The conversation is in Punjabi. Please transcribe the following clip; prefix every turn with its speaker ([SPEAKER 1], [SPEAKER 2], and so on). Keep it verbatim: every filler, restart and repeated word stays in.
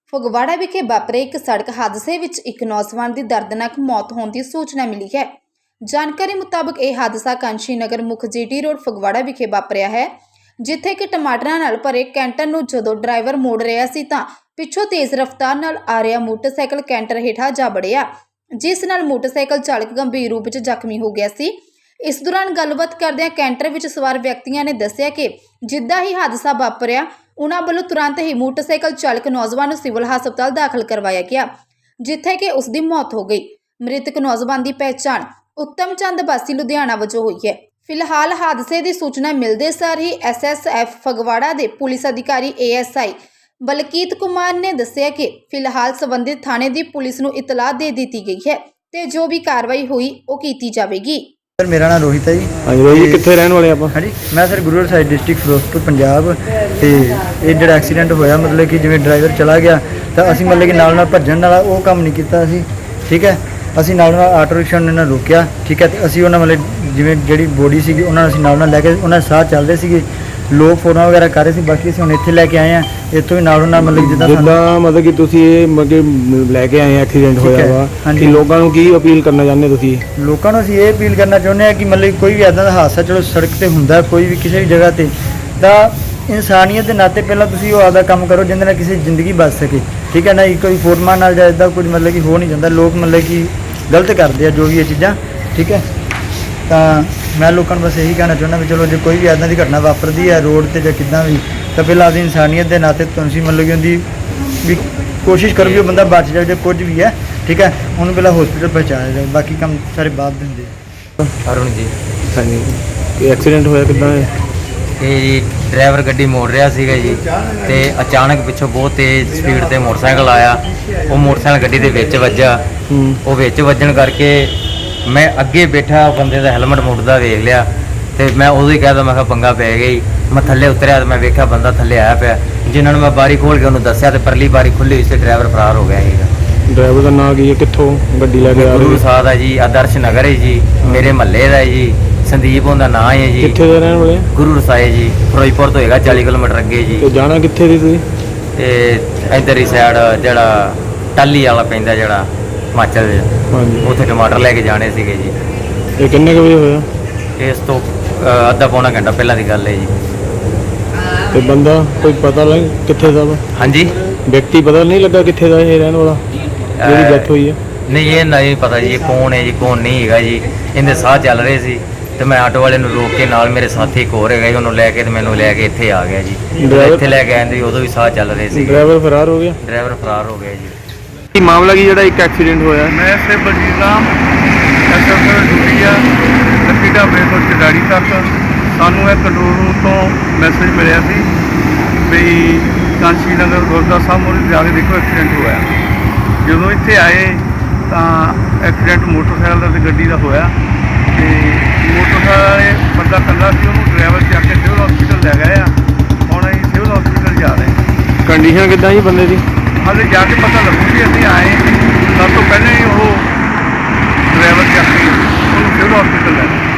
[SPEAKER 1] ਫਗਵਾੜਾ ਵਿਖੇ ਵਾਪਰੇ ਇੱਕ ਸੜਕ ਹਾਦਸੇ ਵਿੱਚ ਇੱਕ ਨੌਜਵਾਨ ਦੀ ਦਰਦਨਾਕ ਮੌਤ ਹੋਣ ਦੀ ਸੂਚਨਾ ਮਿਲੀ ਹੈ। ਜਾਣਕਾਰੀ ਮੁਤਾਬਕ ਇਹ ਹਾਦਸਾ ਕਾਂਸ਼ੀ ਨਗਰ ਮੁੱਖ ਜੀਟੀ ਰੋਡ ਫਗਵਾੜਾ ਵਿਖੇ ਵਾਪਰਿਆ ਹੈ, ਜਿੱਥੇ ਕਿ ਟਮਾਟਰਾਂ ਨਾਲ ਭਰੇ ਕੈਂਟਰ ਨੂੰ ਜਦੋਂ ਡਰਾਈਵਰ ਮੋੜ ਰਿਹਾ ਸੀ ਤਾਂ ਪਿੱਛੋਂ ਤੇਜ਼ ਰਫ਼ਤਾਰ ਨਾਲ ਆ ਰਿਹਾ ਮੋਟਰਸਾਈਕਲ ਕੈਂਟਰ ਹੇਠਾਂ ਜਾ ਵੜਿਆ, ਜਿਸ ਨਾਲ ਮੋਟਰਸਾਈਕਲ ਚਾਲਕ ਗੰਭੀਰ ਰੂਪ ਵਿੱਚ ਜ਼ਖਮੀ ਹੋ ਗਿਆ ਸੀ। ਇਸ ਦੌਰਾਨ ਗੱਲਬਾਤ ਕਰਦਿਆਂ ਕੈਂਟਰ ਵਿੱਚ ਸਵਾਰ ਵਿਅਕਤੀਆਂ ਨੇ ਦੱਸਿਆ ਕਿ ਜਿੱਦਾਂ ਹੀ ਹਾਦਸਾ ਵਾਪਰਿਆ, ਉਨ੍ਹਾਂ ਵੱਲੋਂ ਤੁਰੰਤ ਹੀ ਮੋਟਰਸਾਈਕਲ ਚਾਲਕ ਨੌਜਵਾਨ ਨੂੰ ਸਿਵਲ ਹਸਪਤਾਲ ਦਾਖਲ ਕਰਵਾਇਆ ਗਿਆ, ਜਿੱਥੇ ਕਿ ਉਸ ਦੀ ਮੌਤ ਹੋ ਗਈ। ਮ੍ਰਿਤਕ ਨੌਜਵਾਨ ਦੀ ਪਹਿਚਾਣ ਉੱਤਮ ਚੰਦ ਵਾਸੀ ਲੁਧਿਆਣਾ ਵਜੋਂ ਹੋਈ ਹੈ। ਫਿਲਹਾਲ ਹਾਦਸੇ ਦੀ ਸੂਚਨਾ ਮਿਲਦੇ ਸਾਰ ਹੀ ਐਸ ਐਸ ਐਫ ਫਗਵਾੜਾ ਦੇ ਪੁਲਿਸ ਅਧਿਕਾਰੀ ਏ ਐਸ ਆਈ ਬਲਕੀਤ ਕੁਮਾਰ ਨੇ ਦੱਸਿਆ ਕਿ ਫਿਲਹਾਲ ਸੰਬੰਧਿਤ ਥਾਣੇ ਦੀ ਪੁਲਿਸ ਨੂੰ ਇਤਲਾਹ ਦੇ ਦਿੱਤੀ ਗਈ ਹੈ ਤੇ ਜੋ ਵੀ ਕਾਰਵਾਈ ਹੋਈ ਉਹ ਕੀਤੀ ਜਾਵੇਗੀ।
[SPEAKER 2] सर मेरा नाम रोहित है जी।
[SPEAKER 3] हाँ जी रोहित जी, कितने रहने वाले आप?
[SPEAKER 2] हाँ जी, मैं सर गुरुद्वारा साहिब डिस्ट्रिक्ट फिरोजपुर पंजाब। तो ये जो एक्सीडेंट होया मतलब कि जिवें ड्राइवर चला गया तो असीं मतलब कि नाल नाल भज्जण वाला वो काम नहीं कीता असीं, ठीक है। असीं नाल नाल आटो रिक्शा ने रोकिया, ठीक है। तो असीं उन्हां मतलब जिवें जिहड़ी बॉडी सीगी उन्हां नूं असीं नाल नाल लैके उन्हां साह चल रहे सीगे, लोग फोटो वगैरह कर रहे थे। बाकी असीं हुण इत्थे लैके आए हैं, इत्थों भी नालों नाल मतलब जिद्दां
[SPEAKER 3] जिद्दां मतलब कि तुसीं ये मतलब लैके आए एक्सीडेंट होया वा
[SPEAKER 2] हाँ
[SPEAKER 3] कि लोगों नूं की अपील करना चाहुंदे तुसीं?
[SPEAKER 2] लोगों को ये अपील करना चाहुंदे हैं कि मतलब कोई भी इदां दा हादसा चलो सड़क ते हुंदा कोई भी किसी भी जगह ते तां इंसानियत के नाते पहला तुसीं वो आपदा काम करो जिंदे नाल किसी दी जिंदगी बच सके, ठीक है ना। कोई फोटमान नाल जां इदां कुछ मतलब कि हो नहीं जाता, लोग मतलब कि गलत करते हैं जो भी ये चीज़ां, ठीक है। तो मैं लोगों को बस यही कहना चाहुंदा भी चलो जो कोई भी इदां दी घटना वापरदी है रोड ते जां किदां भी तो पहला आपदी इंसानियत के नाते तुसीं मतलब कि उहदी भी कोशिश करो कि बंदा बच जाए जो कुछ भी है, ठीक है। उन्होंने पहला हॉस्पिटल पहुँचाया जाए, बाकी काम सारे बाद देंगे।
[SPEAKER 3] अरुण जी। हाँ जी, एक्सीडेंट होया किदां है?
[SPEAKER 4] ਇਹ ਜੀ ਡਰਾਈਵਰ ਗੱਡੀ ਮੋੜ ਰਿਹਾ ਸੀਗਾ ਜੀ ਤੇ ਅਚਾਨਕ ਪਿੱਛੋਂ ਬਹੁਤ ਤੇਜ਼ ਸਪੀਡ ਤੇ ਮੋਟਰਸਾਈਕਲ ਆਇਆ। ਉਹ ਮੋਟਰਸਾਈਕਲ ਗੱਡੀ ਦੇ ਵਿੱਚ ਵੱਜਾ। ਉਹ ਵਿੱਚ ਵੱਜਣ ਕਰਕੇ ਮੈਂ ਅੱਗੇ ਬੈਠਾ ਬੰਦੇ ਦਾ ਹੈਲਮਟ ਮੁੜਦਾ ਵੇਖ ਲਿਆ ਤੇ ਮੈਂ ਉਦੋਂ ਹੀ ਕਹਿਦਾ ਮੈਂ ਕਿਹਾ ਪੰਗਾ ਪੈ ਗਿਆ ਜੀ। ਮੈਂ ਥੱਲੇ ਉਤਰਿਆ ਤੇ ਮੈਂ ਵੇਖਿਆ ਬੰਦਾ ਥੱਲੇ ਆਇਆ ਪਿਆ, ਜਿਨ੍ਹਾਂ ਨੂੰ ਮੈਂ ਬਾਰੀ ਖੋਲ ਕੇ ਉਹਨੂੰ ਦੱਸਿਆ ਤੇ ਪਰਲੀ ਬਾਰੀ ਖੁੱਲੀ ਹੋਈ ਸੀ, ਡਰਾਈਵਰ ਫਰਾਰ ਹੋ ਗਿਆ ਸੀਗਾ।
[SPEAKER 3] ਡਰਾਈਵਰ ਦਾ ਨਾਂ ਕੀ ਹੈ, ਕਿੱਥੋਂ ਗੱਡੀ ਲੈ ਕੇ ਆ
[SPEAKER 4] ਗੁਰੂ
[SPEAKER 3] ਰਿਹਾ?
[SPEAKER 4] ਸਾਹਿਬ ਦਾ ਜੀ, ਆਦਰਸ਼ ਨਗਰ ਹੈ ਜੀ, ਮੇਰੇ ਮਹੱਲੇ ਦਾ ਜੀ, ਸੰਦੀਪ ਉਹਦਾ ਨਾਂ ਹੈ ਜੀ।
[SPEAKER 3] ਕਿੱਥੇ ਦੇ ਰਹਿਣ ਵਾਲੇ?
[SPEAKER 4] ਗੁਰੂ ਰਸਾਏ ਜੀ, ਫਿਰੋਜ਼ਪੁਰ ਤੋਂ ਹੈਗਾ ਚਾਲੀ ਕਿਲੋਮੀਟਰ ਅੱਗੇ ਜੀ।
[SPEAKER 3] ਤੇ ਜਾਣਾ ਕਿੱਥੇ ਦੀ ਤੁਸੀਂ?
[SPEAKER 4] ਤੇ ਇੱਧਰ ਹੀ ਸਾਈਡ ਜਿਹੜਾ ਟਾਲੀ ਵਾਲਾ ਪੈਂਦਾ ਜਿਹੜਾ ਹਿਮਾਚਲ ਦੇ,
[SPEAKER 3] ਹਾਂਜੀ,
[SPEAKER 4] ਉੱਥੇ ਟਮਾਟਰ ਲੈ ਕੇ ਜਾਣੇ ਸੀਗੇ ਜੀ।
[SPEAKER 3] ਇਹ ਕਿੰਨੇ ਕੁ ਵਜੇ ਹੋਇਆ?
[SPEAKER 4] ਇਸ ਤੋਂ ਅ, ਅੱਧਾ ਪੌਣਾ ਘੰਟਾ ਪਹਿਲਾਂ ਦੀ ਗੱਲ ਹੈ ਜੀ।
[SPEAKER 3] ਤੇ ਬੰਦਾ ਕੋਈ ਪਤਾ ਲੱਗ ਕਿੱਥੇ ਦਾ ਵਾ?
[SPEAKER 4] ਹਾਂਜੀ,
[SPEAKER 3] ਵਿਅਕਤੀ ਪਤਾ ਨਹੀਂ ਲੱਗਾ ਕਿੱਥੇ ਦਾ ਇਹ ਰਹਿਣ ਵਾਲਾ ਜਿਹੜੀ ਡੈਥ ਹੋਈ ਹੈ?
[SPEAKER 4] ਨਹੀਂ ਇਹ ਨਹੀਂ ਪਤਾ ਜੀ ਇਹ ਕੌਣ ਹੈ ਜੀ ਕੌਣ ਨਹੀਂ ਹੈਗਾ ਜੀ। ਇਹਦੇ ਸਾਹ ਚੱਲ ਰਹੇ ਸੀ ਤੇ ਮੈਂ ਆਟੋ ਵਾਲੇ ਨੂੰ ਰੋਕ ਕੇ ਨਾਲ ਮੇਰੇ ਸਾਥੀ ਇੱਕ ਹੋਰ ਹੈਗਾ ਜੀ, ਉਹਨੂੰ ਲੈ ਕੇ ਤੇ ਮੈਨੂੰ ਲੈ ਕੇ ਇੱਥੇ ਆ ਗਿਆ ਜੀ। ਇੱਥੇ ਲੈ ਕੇ ਆਂਦੇ ਉਦੋਂ ਵੀ ਸਾਹ ਚੱਲ ਰਹੇ ਸੀ।
[SPEAKER 3] ਡਰਾਈਵਰ ਫਰਾਰ ਹੋ ਗਿਆ?
[SPEAKER 4] ਡਰਾਈਵਰ ਫਰਾਰ ਹੋ ਗਿਆ ਜੀ।
[SPEAKER 3] ਕੀ ਮਾਮਲਾ ਕੀ ਜਿਹੜਾ ਇੱਕ ਐਕਸੀਡੈਂਟ ਹੋਇਆ?
[SPEAKER 5] मैं से बलजीत राम ਐਸਐਸਐਫ ਡਿਊਟੀ ਆ ਲੱਕੀ ਢਾਬੇ ਤੋਂ ਚੜਾੜੀ ਤੱਕ। ਸਾਨੂੰ ਇਹ ਕੰਟਰੋਲ ਰੂਮ ਤੋਂ ਮੈਸੇਜ ਮਿਲਿਆ ਸੀ ਵੀ ਕਾਂਸ਼ੀ ਨਗਰ ਗੁਰਦੁਆਰਾ ਸਾਹਿਬ ਮੋਰੇ ਜਾ ਕੇ ਦੇਖੋ ਐਕਸੀਡੈਂਟ ਹੋਇਆ। ਜਦੋਂ ਇੱਥੇ ਆਏ ਤਾਂ ਐਕਸੀਡੈਂਟ ਮੋਟਰਸਾਈਕਲ ਦਾ ਤੇ ਗੱਡੀ ਦਾ ਹੋਇਆ ਤੇ ਮੋਟਰਸਾਈਕਲ ਵਾਲੇ ਬੰਦਾ ਇਕੱਲਾ ਸੀ, ਉਹਨੂੰ ਡਰਾਈਵਰ ਚੱਕ ਕੇ ਸਿਵਲ ਹਸਪੀਟਲ ਲੈ ਗਏ ਆ। ਹੁਣ ਅਸੀਂ ਸਿਵਲ ਹਸਪੀਟਲ ਜਾ ਰਹੇ ਹਾਂ।
[SPEAKER 3] ਕੰਡੀਸ਼ਨ ਕਿੱਦਾਂ ਜੀ ਬੰਦੇ ਦੀ?
[SPEAKER 5] ਹਾਲੇ ਜਾ ਕੇ ਪਤਾ ਲੱਗੂ ਕਿ ਅਸੀਂ ਆਏ ਸਭ ਤੋਂ ਪਹਿਲਾਂ ਹੀ ਉਹ ਡਰਾਈਵਰ ਚੱਕ ਕੇ ਉਹਨੂੰ ਸਿਵਲ ਹਸਪੀਟਲ ਲੈ ਗਏ।